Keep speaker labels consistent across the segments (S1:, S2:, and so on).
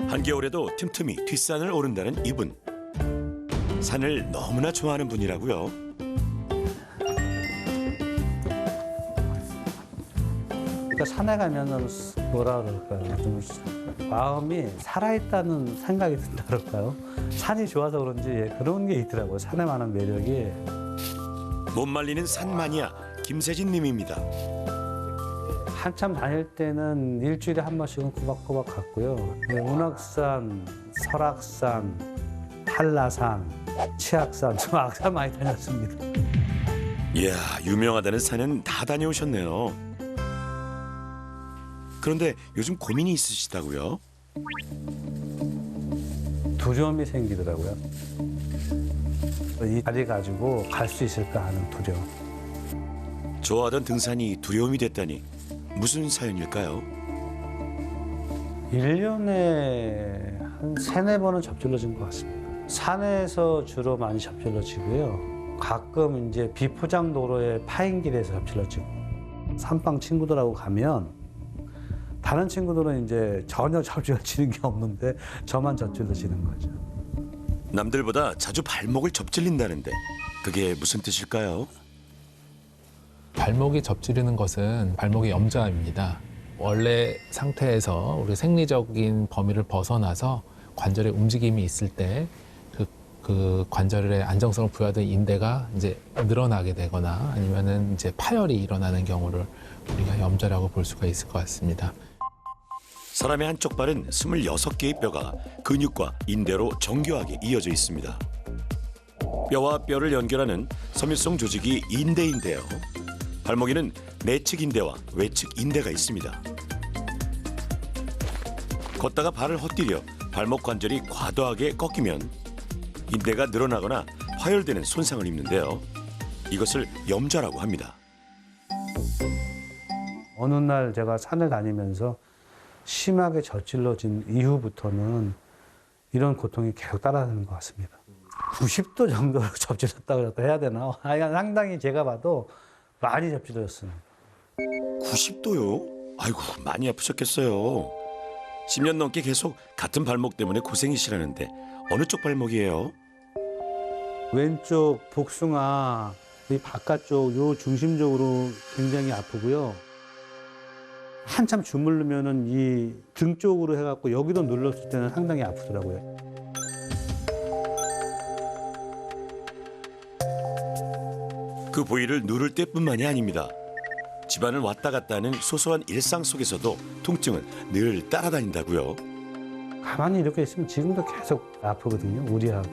S1: 한겨울에도 틈틈이 뒷산을 오른다는 이분. 산을 너무나 좋아하는 분이라고요.
S2: 그러니까 산에 가면은 뭐라 그럴까요? 좀 마음이 살아있다는 생각이 든다 그럴까요? 산이 좋아서 그런지 그런 게 있더라고요. 산에 많은 매력이.
S1: 못 말리는 산 마니아 김세진 님입니다.
S2: 한참 다닐 때는 일주일에 한 번씩은 꼬박꼬박 갔고요. 운악산, 설악산, 한라산, 치악산, 저 악산 많이 다녔습니다.
S1: 이야, 유명하다는 산은 다 다녀오셨네요. 그런데 요즘 고민이 있으시다고요?
S2: 두려움이 생기더라고요. 이 다리 가지고 갈 수 있을까 하는 두려움.
S1: 좋아하던 등산이 두려움이 됐다니 무슨 사연일까요?
S2: 1년에 한 3-4번은 접질러진 것 같습니다. 산에서 주로 많이 접질러지고요. 가끔 이제 비포장 도로의 파인길에서 접질러지고. 산방 친구들하고 가면 다른 친구들은 이제 전혀 접질러지는 게 없는데 저만 접질러지는 거죠.
S1: 남들보다 자주 발목을 접질린다는데 그게 무슨 뜻일까요?
S3: 발목이 접지르는 것은 발목의 염좌입니다. 원래 상태에서 우리 생리적인 범위를 벗어나서 관절의 움직임이 있을 때 그 관절의 안정성을 부여하던 인대가 이제 늘어나게 되거나 아니면은 이제 파열이 일어나는 경우를 우리가 염좌라고 볼 수가 있을 것 같습니다.
S1: 사람의 한쪽 발은 26개의 뼈가 근육과 인대로 정교하게 이어져 있습니다. 뼈와 뼈를 연결하는 섬유성 조직이 인대인데요. 발목에는 내측 인대와 외측 인대가 있습니다. 걷다가 발을 헛디뎌 발목 관절이 과도하게 꺾이면 인대가 늘어나거나 파열되는 손상을 입는데요. 이것을 염좌라고 합니다.
S2: 어느 날 제가 산을 다니면서 심하게 저질러진 이후부터는 이런 고통이 계속 따라다니는 것 같습니다. 90도 정도로 접질렀다고 해야 되나? 상당히 제가 봐도 많이 접질렀습니다.
S1: 90도요? 아이고, 많이 아프셨겠어요. 10년 넘게 계속 같은 발목 때문에 고생이시라는데 어느 쪽 발목이에요?
S2: 왼쪽 복숭아 이 바깥쪽 요 중심적으로 굉장히 아프고요. 한참 주물르면은 이 등 쪽으로 해갖고 여기도 눌렀을 때는 상당히 아프더라고요.
S1: 그 부위를 누를 때뿐만이 아닙니다. 집안을 왔다 갔다 하는 소소한 일상 속에서도 통증은 늘 따라다닌다고요.
S2: 가만히 이렇게 있으면 지금도 계속 아프거든요. 우리하고.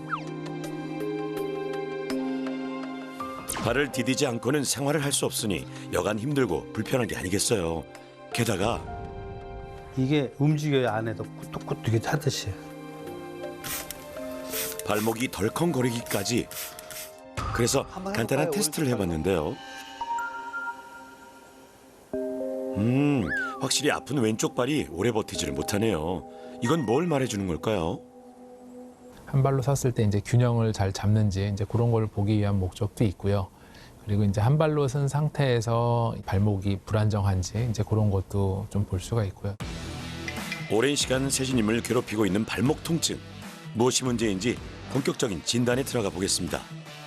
S1: 발을 디디지 않고는 생활을 할 수 없으니 여간 힘들고 불편한 게 아니겠어요. 게다가
S2: 이게 움직여야 안에도 꾸덕꾸덕 이게 하듯이.
S1: 발목이 덜컹거리기까지. 그래서 간단한 테스트를 해봤는데요. 확실히 아픈 왼쪽 발이 오래 버티지를 못하네요. 이건 뭘 말해주는 걸까요?
S3: 한 발로 섰을 때 이제 균형을 잘 잡는지 이제 그런 걸 보기 위한 목적도 있고요. 그리고 이제 한 발로 선 상태에서 발목이 불안정한지 이제 그런 것도 좀 볼 수가 있고요.
S1: 오랜 시간 세진님을 괴롭히고 있는 발목 통증. 무엇이 문제인지 본격적인 진단에 들어가 보겠습니다.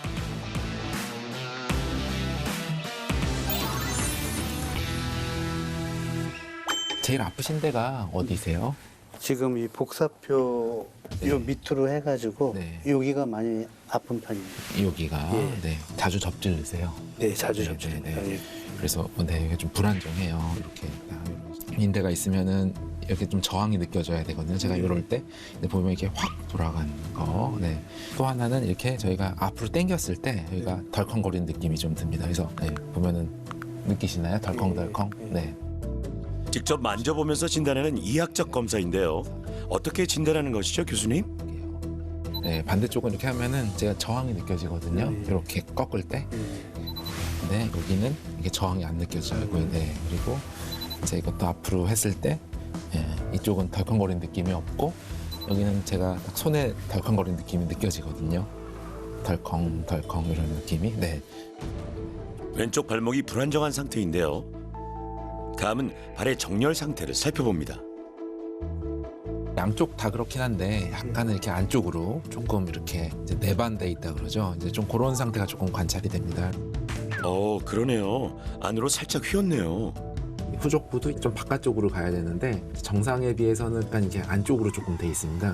S3: 제일 아프신 데가 어디세요?
S2: 지금 이 복사표 요 밑으로 해가지고
S3: 네.
S2: 여기가 많이 아픈 편입니다.
S3: 여기가
S2: 예.
S3: 네, 자주 접질르세요.
S2: 네, 자주
S3: 네,
S2: 접촉합니다.
S3: 네,
S2: 예.
S3: 그래서 네, 이게 좀 불안정해요. 이렇게 인대가 있으면은 이렇게 좀 저항이 느껴져야 되거든요. 제가 이럴 때 보면 이렇게 확 돌아가는 거. 네. 또 하나는 이렇게 저희가 앞으로 당겼을 때 여기가 덜컹거리는 느낌이 좀 듭니다. 그래서 네, 보면은 느끼시나요? 덜컹덜컹. 네.
S1: 직접 만져보면서 진단하는 이학적 검사인데요. 어떻게 진단하는 것이죠, 교수님?
S3: 네, 반대쪽은 이렇게 하면은 제가 저항이 느껴지거든요.
S2: 네.
S3: 이렇게 꺾을 때. 네, 여기는 이게 저항이 안 느껴져요. 네, 그리고 이제 이것도 앞으로 했을 때 이쪽은 덜컹거리는 느낌이 없고 여기는 제가 딱 손에 덜컹거리는 느낌이 느껴지거든요. 덜컹덜컹 이런 느낌이. 네.
S1: 왼쪽 발목이 불안정한 상태인데요. 다음은 발의 정렬 상태를 살펴봅니다.
S3: 양쪽 다 그렇긴 한데 약간은 이렇게 안쪽으로 조금 이렇게 이제 내반돼 있다 그러죠. 이제 좀 그런 상태가 조금 관찰이 됩니다.
S1: 그러네요. 안으로 살짝 휘었네요.
S3: 후족부도 좀 바깥쪽으로 가야 되는데 정상에 비해서는 약간 이렇게 안쪽으로 조금 돼 있습니다.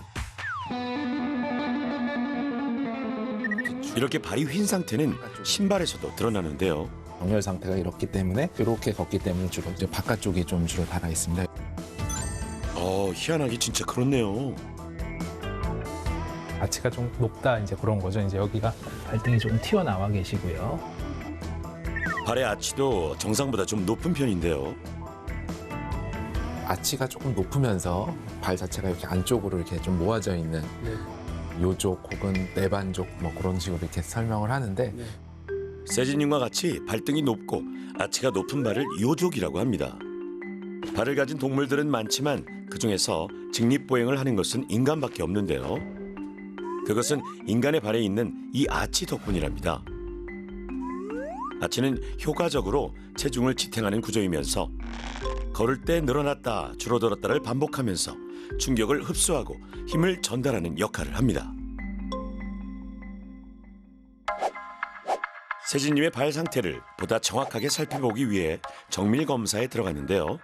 S1: 이렇게 발이 휜 상태는 신발에서도 드러나는데요.
S3: 정렬 상태가 이렇기 때문에 이렇게 걷기 때문에 주로 이제 바깥쪽이 좀 주로 달아 있습니다.
S1: 희한하게 진짜 그렇네요.
S3: 아치가 좀 높다 이제 그런 거죠. 이제 여기가 발등이 조금 튀어나와 계시고요.
S1: 발의 아치도 정상보다 좀 높은 편인데요.
S3: 아치가 조금 높으면서 발 자체가 이렇게 안쪽으로 이렇게 좀 모아져 있는 요족 혹은 내반족 뭐 그런 식으로 이렇게 설명을 하는데
S1: 세진님과 같이 발등이 높고 아치가 높은 발을 요족이라고 합니다. 발을 가진 동물들은 많지만 그중에서 직립보행을 하는 것은 인간밖에 없는데요. 그것은 인간의 발에 있는 이 아치 덕분이랍니다. 아치는 효과적으로 체중을 지탱하는 구조이면서 걸을 때 늘어났다 줄어들었다를 반복하면서 충격을 흡수하고 힘을 전달하는 역할을 합니다. 세진님의 발 상태를 보다 정확하게 살펴보기 위해 정밀 검사에 들어갔는데요.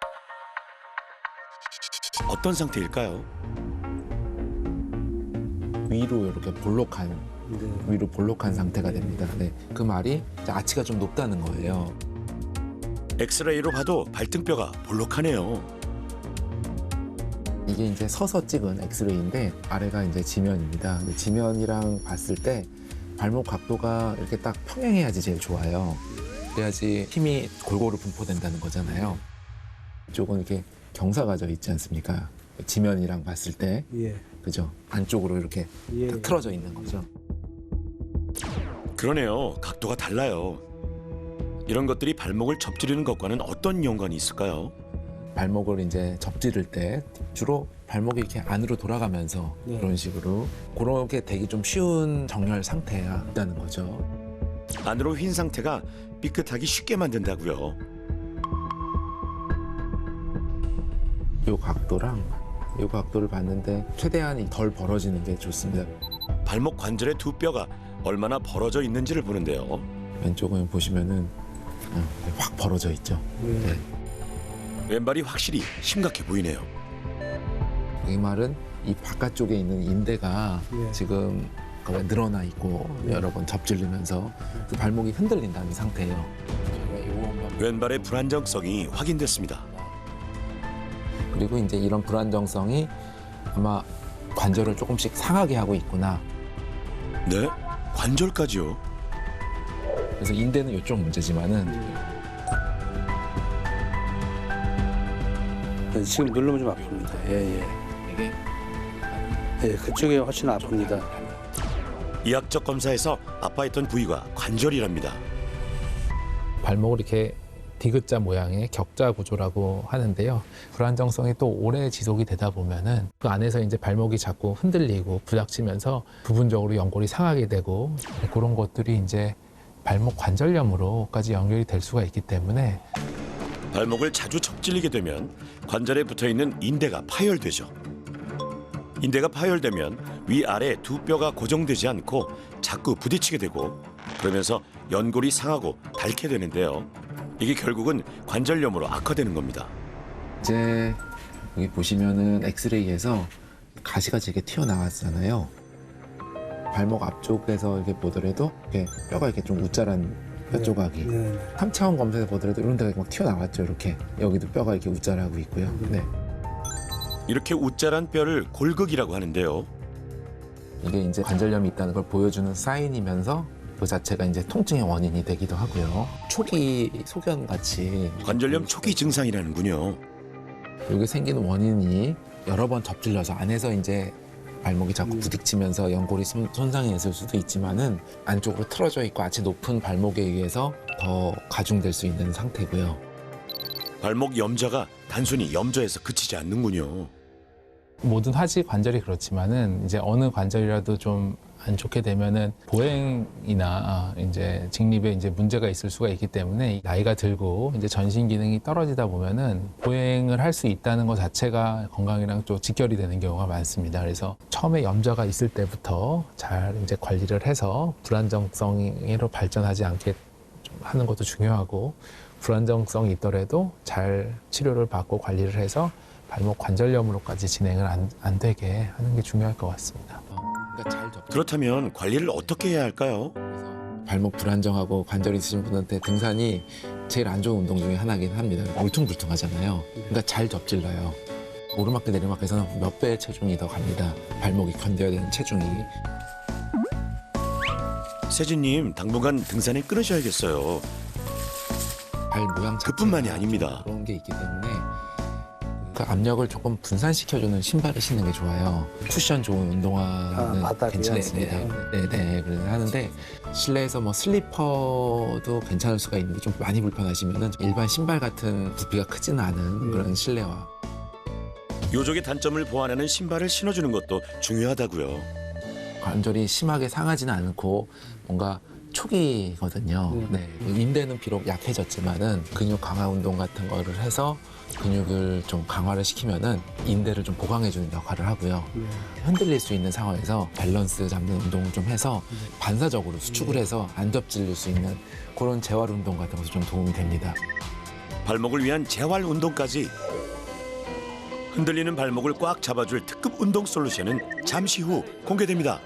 S1: 어떤 상태일까요?
S3: 위로 이렇게 위로 볼록한 상태가 됩니다. 네, 그 말이 이제 아치가 좀 높다는 거예요.
S1: 엑스레이로 봐도 발등뼈가 볼록하네요.
S3: 이게 이제 서서 찍은 엑스레이인데 아래가 이제 지면입니다. 근데 지면이랑 봤을 때 발목 각도가 이렇게 딱 평행해야지 제일 좋아요. 그래야지 힘이 골고루 분포된다는 거잖아요. 이쪽은 이렇게 경사가 져 있지 않습니까? 지면이랑 봤을 때,
S2: 예.
S3: 그죠? 안쪽으로 이렇게
S2: 예.
S3: 딱 틀어져 있는 거죠.
S1: 그러네요. 각도가 달라요. 이런 것들이 발목을 접지르는 것과는 어떤 연관이 있을까요?
S3: 발목을 이제 접지를 때 주로 발목이 이렇게 안으로 돌아가면서
S2: 네.
S3: 그런 식으로 그렇게 되기 좀 쉬운 정렬 상태가 있다는 거죠.
S1: 안으로 휜 상태가 삐끗하기 쉽게 만든다고요.
S3: 이 각도랑 이 각도를 봤는데 최대한 덜 벌어지는 게 좋습니다.
S1: 발목 관절의 두 뼈가 얼마나 벌어져 있는지를 보는데요.
S3: 왼쪽은 보시면은 확 벌어져 있죠. 네.
S1: 왼발이 확실히 심각해 보이네요.
S3: 이 말은 이 바깥쪽에 있는 인대가
S2: 예.
S3: 지금 늘어나 있고 여러 번 접질리면서 그 발목이 흔들린다는 상태예요.
S1: 왼발의 불안정성이 확인됐습니다.
S3: 그리고 이제 이런 불안정성이 아마 관절을 조금씩 상하게 하고 있구나.
S1: 네? 관절까지요?
S3: 그래서 인대는 이쪽 문제지만은
S2: 네, 지금 누르면 좀 아픕니다. 예.
S3: 이게
S2: 예, 그쪽이 훨씬 아픕니다.
S1: 이학적 검사에서 아파했던 부위가 관절이랍니다.
S3: 발목을 이렇게 디귿자 모양의 격자 구조라고 하는데요. 불안정성이 또 오래 지속이 되다 보면은 그 안에서 이제 발목이 자꾸 흔들리고 부닥치면서 부분적으로 연골이 상하게 되고 그런 것들이 이제 발목 관절염으로까지 연결이 될 수가 있기 때문에
S1: 발목을 자주 접질리게 되면 관절에 붙어있는 인대가 파열되죠. 인대가 파열되면 위아래 두 뼈가 고정되지 않고 자꾸 부딪히게 되고 그러면서 연골이 상하고 닳게 되는데요. 이게 결국은 관절염으로 악화되는 겁니다.
S3: 이제 여기 보시면은 엑스레이에서 가시가 되게 튀어나왔잖아요. 발목 앞쪽에서 이렇게 보더라도 이렇게 뼈가 이렇게 좀 우짜란 뼈 조각이
S2: 네.
S3: 3차원 검사에서 보더라도 이런 데가 막 튀어나왔죠. 이렇게 여기도 뼈가 이렇게 우짜라고 있고요. 네.
S1: 이렇게 우짜란 뼈를 골극이라고 하는데요.
S3: 이게 이제 관절염이 있다는 걸 보여주는 사인이면서 그 자체가 이제 통증의 원인이 되기도 하고요. 초기 소견 같이
S1: 관절염 초기 증상이라는군요.
S3: 여기 생기는 원인이 여러 번 접질려서 안에서 이제 발목이 자꾸 부딪히면서 연골이 손상이 있을 수도 있지만은 안쪽으로 틀어져 있고 아치 높은 발목에 의해서 더 가중될 수 있는 상태고요.
S1: 발목 염좌가 단순히 염좌에서 그치지 않는군요.
S3: 모든 하지 관절이 그렇지만은 이제 어느 관절이라도 좀 안 좋게 되면은 보행이나 이제 직립에 이제 문제가 있을 수가 있기 때문에 나이가 들고 이제 전신 기능이 떨어지다 보면은 보행을 할 수 있다는 것 자체가 건강이랑 또 직결이 되는 경우가 많습니다. 그래서 처음에 염좌가 있을 때부터 잘 이제 관리를 해서 불안정성으로 발전하지 않게 좀 하는 것도 중요하고, 불안정성이 있더라도 잘 치료를 받고 관리를 해서 발목 관절염으로까지 진행을 안 되게 하는 게 중요할 것 같습니다.
S1: 그렇다면 관리를 어떻게 해야 할까요?
S4: 발목 불안정하고 관절 있으신 분한테 등산이 제일 안 좋은 운동 중에 하나긴 합니다. 울퉁불퉁하잖아요. 그러니까 잘 접질러요. 오르막길 내리막길에서는 몇 배의 체중이 더 갑니다. 발목이 견뎌야 되는 체중이.
S1: 세진님 당분간 등산에 끊으셔야겠어요.
S4: 발 모양 자체가
S1: 그뿐만이 아닙니다.
S4: 그런 게 있기 때문에 그 압력을 조금 분산시켜주는 신발을 신는 게 좋아요. 쿠션 좋은 운동화는
S2: 바닥이요?
S4: 괜찮습니다. 네네. 그래서 하는데 실내에서 뭐 슬리퍼도 괜찮을 수가 있는데 좀 많이 불편하시면은 일반 신발 같은 부피가 크지는 않은 그런 실내화.
S1: 요족의 단점을 보완하는 신발을 신어주는 것도 중요하다고요.
S4: 관절이 심하게 상하지는 않고 뭔가 초기거든요. 네. 인대는 비록 약해졌지만은 근육 강화 운동 같은 거를 해서 근육을 좀 강화를 시키면은 인대를 좀 보강해주는 역할을 하고요. 흔들릴 수 있는 상황에서 밸런스 잡는 운동을 좀 해서 반사적으로 수축을 해서 안 접질릴 수 있는 그런 재활 운동 같은 것도 좀 도움이 됩니다.
S1: 발목을 위한 재활 운동까지. 흔들리는 발목을 꽉 잡아줄 특급 운동 솔루션은 잠시 후 공개됩니다.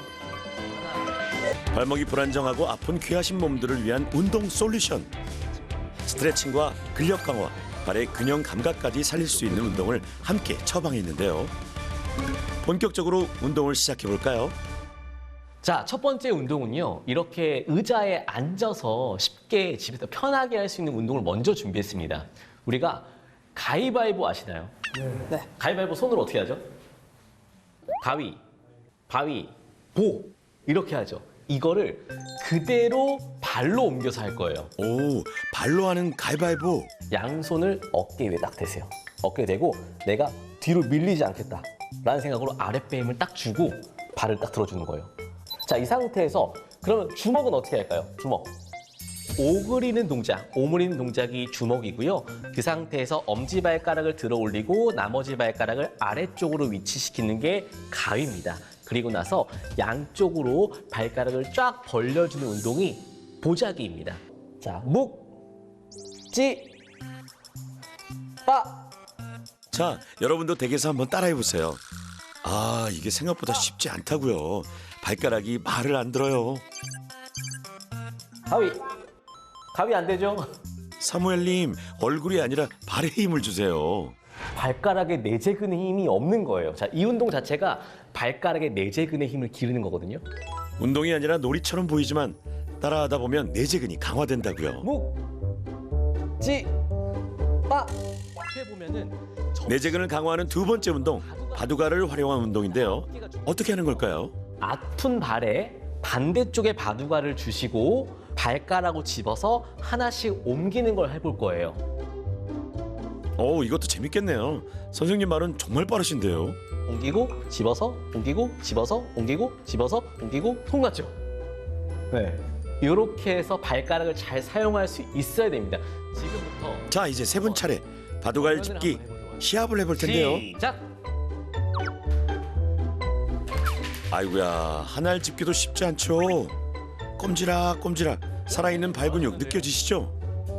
S1: 발목이 불안정하고 아픈 귀하신 몸들을 위한 운동 솔루션. 스트레칭과 근력 강화, 발의 균형 감각까지 살릴 수 있는 운동을 함께 처방했는데요. 본격적으로 운동을 시작해 볼까요?
S5: 자, 첫 번째 운동은요. 이렇게 의자에 앉아서 쉽게 집에서 편하게 할 수 있는 운동을 먼저 준비했습니다. 우리가 가위바위보 아시나요?
S6: 네.
S5: 가위바위보 손으로 어떻게 하죠? 가위, 바위, 보 이렇게 하죠. 이거를 그대로 발로 옮겨서 할 거예요.
S1: 오, 발로 하는 가위바위보.
S5: 양손을 어깨 위에 딱 대세요. 어깨에 대고 내가 뒤로 밀리지 않겠다 라는 생각으로 아랫배 힘을 딱 주고 발을 딱 들어주는 거예요. 자, 이 상태에서 그러면 주먹은 어떻게 할까요? 주먹. 오그리는 동작, 오므리는 동작이 주먹이고요. 그 상태에서 엄지발가락을 들어 올리고 나머지 발가락을 아래쪽으로 위치시키는 게 가위입니다. 그리고 나서 양쪽으로 발가락을 쫙 벌려주는 운동이 보자기입니다. 자, 묵, 찌, 빠.
S1: 자, 여러분도 댁에서 한번 따라해 보세요. 아, 이게 생각보다 쉽지 않다고요. 발가락이 말을 안 들어요.
S5: 가위. 가위 안 되죠?
S1: 사무엘님, 얼굴이 아니라 발에 힘을 주세요.
S5: 발가락에 내재근의 힘이 없는 거예요. 자, 이 운동 자체가 발가락의 내재근의 힘을 기르는 거거든요.
S1: 운동이 아니라 놀이처럼 보이지만 따라하다 보면 내재근이 강화된다고요.
S5: 묵, 찌, 빠. 앞에 보면은
S1: 내재근을 강화하는 두 번째 운동, 바둑알을 활용한 운동인데요. 어떻게 하는 걸까요?
S5: 아픈 발에 반대쪽에 바둑알을 주시고 발가락으로 집어서 하나씩 옮기는 걸 해볼 거예요.
S1: 이것도 재밌겠네요. 선생님 말은 정말 빠르신데요.
S5: 옮기고 집어서 옮기고 집어서 옮기고 집어서 옮기고 손 같죠? 네. 이렇게 해서 발가락을 잘 사용할 수 있어야 됩니다. 지금부터
S1: 자, 이제 세 분 차례 바둑알 집기 시합을 해볼 텐데요.
S5: 시작!
S1: 아이고야, 한 알 집기도 쉽지 않죠. 꼼지락꼼지락 살아있는 발 근육 느껴지시죠?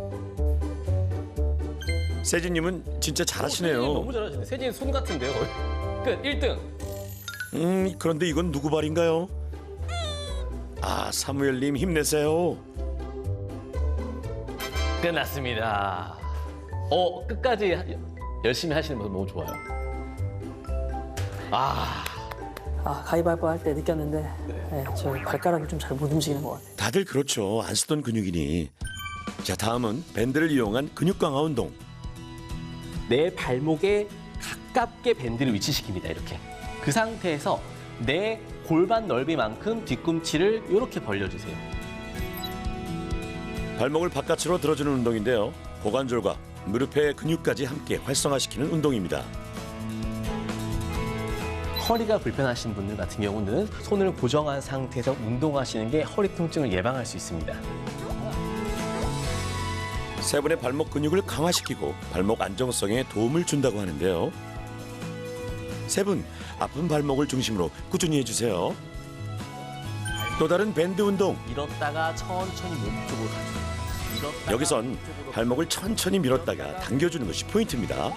S1: 세진님은 진짜
S5: 세진이
S1: 잘하시네요.
S5: 너무 잘하시네. 세진이 손 같은데요. 끝 1등.
S1: 그런데 이건 누구 발인가요? 아, 사무엘님 힘내세요.
S5: 끝났습니다. 끝까지 열심히 하시는 모습 너무 좋아요.
S6: 가위바위보 할 때 느꼈는데 네, 저 발가락이 좀 잘 못 움직이는 것 같아요.
S1: 다들 그렇죠. 안 쓰던 근육이니. 자, 다음은 밴드를 이용한 근육 강화 운동.
S5: 내 발목에 가깝게 밴드를 위치시킵니다. 이렇게. 그 상태에서 내 골반 넓이만큼 뒤꿈치를 이렇게 벌려주세요.
S1: 발목을 바깥으로 들어주는 운동인데요. 고관절과 무릎의 근육까지 함께 활성화시키는 운동입니다.
S5: 허리가 불편하신 분들 같은 경우는 손을 고정한 상태에서 운동하시는 게 허리 통증을 예방할 수 있습니다.
S1: 세 분의 발목 근육을 강화시키고 발목 안정성에 도움을 준다고 하는데요. 세 분 아픈 발목을 중심으로 꾸준히 해주세요. 또 다른 밴드 운동.
S5: 밀었다가 천천히 몸쪽으로 가져요. 밀었다가
S1: 여기선
S5: 몸쪽으로
S1: 발목을 천천히 밀었다가 당겨주는 것이 포인트입니다.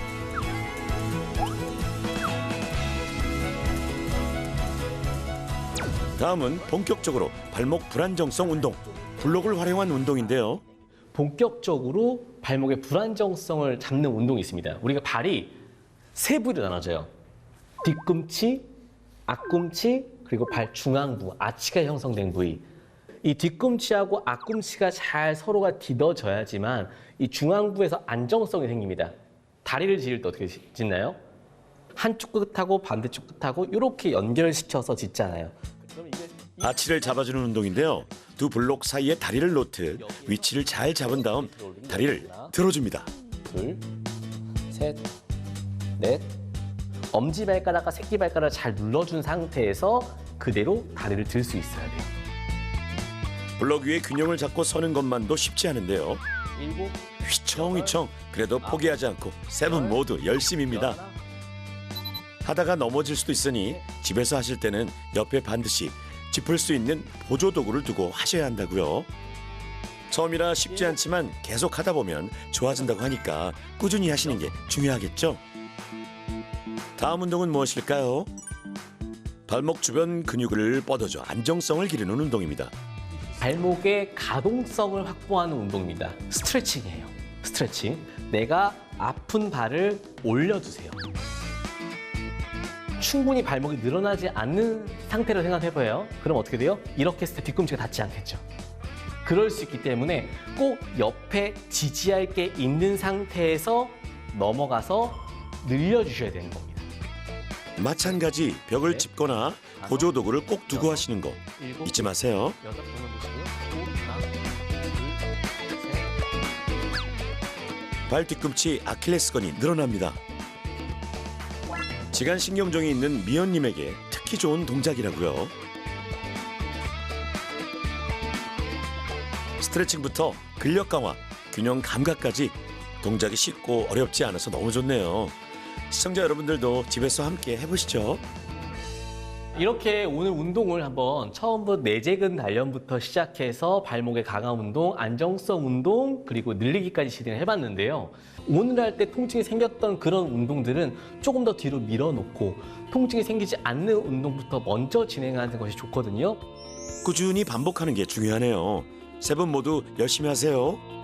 S1: 다음은 본격적으로 발목 불안정성 운동, 블록을 활용한 운동인데요.
S5: 본격적으로 발목의 불안정성을 잡는 운동이 있습니다. 우리가 발이 세 부위로 나눠져요. 뒤꿈치, 앞꿈치, 그리고 발 중앙부, 아치가 형성된 부위. 이 뒤꿈치하고 앞꿈치가 잘 서로가 디뎌져야지만 이 중앙부에서 안정성이 생깁니다. 다리를 짖을 때 어떻게 짖나요? 한쪽 끝하고 반대쪽 끝하고 이렇게 연결시켜서 짖잖아요. 그럼 이게
S1: 아치를 잡아주는 운동인데요. 두 블록 사이에 다리를 놓듯 위치를 잘 잡은 다음 다리를 들어줍니다.
S5: 둘, 셋, 넷. 엄지발가락과 새끼발가락을 잘 눌러준 상태에서 그대로 다리를 들 수 있어야 돼요.
S1: 블록 위에 균형을 잡고 서는 것만도 쉽지 않은데요.
S5: 일곱,
S1: 휘청휘청 그래도 포기하지 않고 세 분 모두 열심입니다.
S5: 여덟,
S1: 하다가 넘어질 수도 있으니 집에서 하실 때는 옆에 반드시 짚을 수 있는 보조 도구를 두고 하셔야 한다고요. 처음이라 쉽지 않지만 계속 하다 보면 좋아진다고 하니까 꾸준히 하시는 게 중요하겠죠. 다음 운동은 무엇일까요? 발목 주변 근육을 뻗어줘 안정성을 기르는 운동입니다.
S5: 발목의 가동성을 확보하는 운동입니다. 스트레칭이에요. 스트레칭. 내가 아픈 발을 올려주세요. 충분히 발목이 늘어나지 않는 상태로 생각해봐요. 그럼 어떻게 돼요? 이렇게 했을 때 뒤꿈치가 닿지 않겠죠. 그럴 수 있기 때문에 꼭 옆에 지지할 게 있는 상태에서 넘어가서 늘려주셔야 되는 겁니다.
S1: 마찬가지 벽을 짚거나 보조 도구를 꼭 두고 하시는 거
S5: 일곱,
S1: 잊지 마세요.
S5: 여덟, 번호 보시고요. 하나, 둘, 셋.
S1: 발 뒤꿈치 아킬레스건이 늘어납니다. 지간신경종이 있는 미연님에게 특히 좋은 동작이라고요. 스트레칭부터 근력 강화, 균형 감각까지 동작이 쉽고 어렵지 않아서 너무 좋네요. 시청자 여러분들도 집에서 함께 해보시죠.
S5: 이렇게 오늘 운동을 한번 처음부터 내재근 단련부터 시작해서 발목의 강화 운동, 안정성 운동, 그리고 늘리기까지 진행을 해봤는데요. 오늘 할 때 통증이 생겼던 그런 운동들은 조금 더 뒤로 밀어놓고 통증이 생기지 않는 운동부터 먼저 진행하는 것이 좋거든요.
S1: 꾸준히 반복하는 게 중요하네요. 세 분 모두 열심히 하세요.